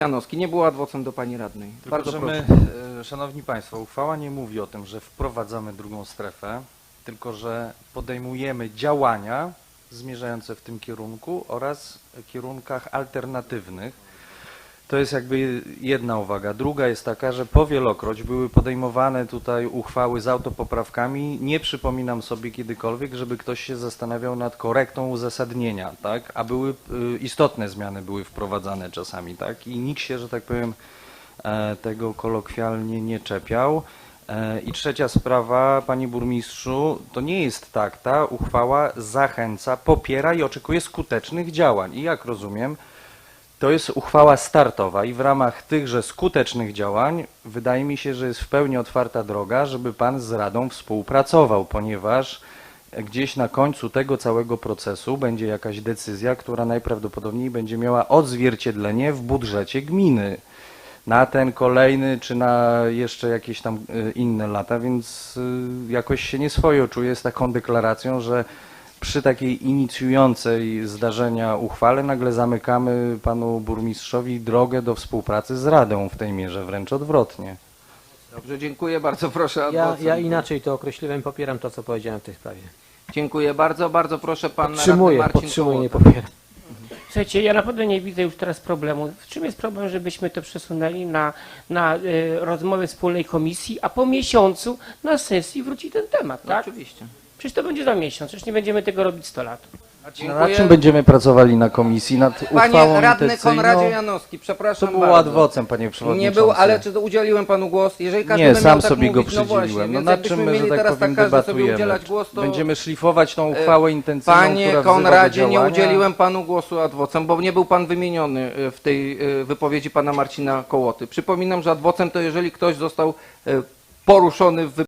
Janowski nie był adwocem do pani radnej. Tylko, Bardzo że proszę. my, szanowni państwo, uchwała nie mówi o tym, że wprowadzamy drugą strefę, tylko że podejmujemy działania zmierzające w tym kierunku oraz kierunkach alternatywnych. To jest jakby jedna uwaga. Druga jest taka, że powielokroć były podejmowane tutaj uchwały z autopoprawkami. Nie przypominam sobie kiedykolwiek, żeby ktoś się zastanawiał nad korektą uzasadnienia, tak? A były istotne zmiany były wprowadzane czasami, tak? I nikt się, że tak powiem, tego kolokwialnie nie czepiał. I trzecia sprawa, panie burmistrzu, to nie jest tak, ta uchwała zachęca, popiera i oczekuje skutecznych działań. I jak rozumiem, to jest uchwała startowa i w ramach tychże skutecznych działań wydaje mi się, że jest w pełni otwarta droga, żeby pan z Radą współpracował, ponieważ gdzieś na końcu tego całego procesu będzie jakaś decyzja, która najprawdopodobniej będzie miała odzwierciedlenie w budżecie gminy na ten kolejny, czy na jeszcze jakieś tam inne lata, więc jakoś się nieswojo czuję z taką deklaracją, że przy takiej inicjującej zdarzenia uchwale nagle zamykamy panu burmistrzowi drogę do współpracy z Radą w tej mierze, wręcz odwrotnie. Dobrze, dziękuję bardzo. Proszę Ja inaczej to określiłem, popieram to, co powiedziałem w tej sprawie. Dziękuję bardzo. Bardzo proszę pan radny Podtrzymuję, Marcin podtrzymuję, nie Kołota. popieram. Słuchajcie, ja naprawdę nie widzę już teraz problemu. W czym jest problem, żebyśmy to przesunęli na rozmowę wspólnej komisji, a po miesiącu na sesji wróci ten temat, No, tak? oczywiście. Przecież to będzie za miesiąc, przecież nie będziemy tego robić 100 lat. Nad Dziękuję. czym będziemy pracowali na komisji? Nad uchwałą Panie radny intencyjną? Konradzie Janowski, To przepraszam było bardzo. adwocem, panie przewodniczący. Nie był, ale czy udzieliłem panu głos? Jeżeli każdy Nie, by sam miał tak sobie mówić, go no właśnie, przydzieliłem. No więc nad jakbyśmy czym my, mieli że tak teraz powiem, każdy sobie debatujemy? udzielać głos, to Będziemy szlifować tą uchwałę intencyjną, Panie która wzywa do Konradzie, nie działania. udzieliłem panu głosu adwocem, bo nie był pan wymieniony w tej wypowiedzi pana Marcina Kołoty. Przypominam, że adwocem to jeżeli ktoś został poruszony w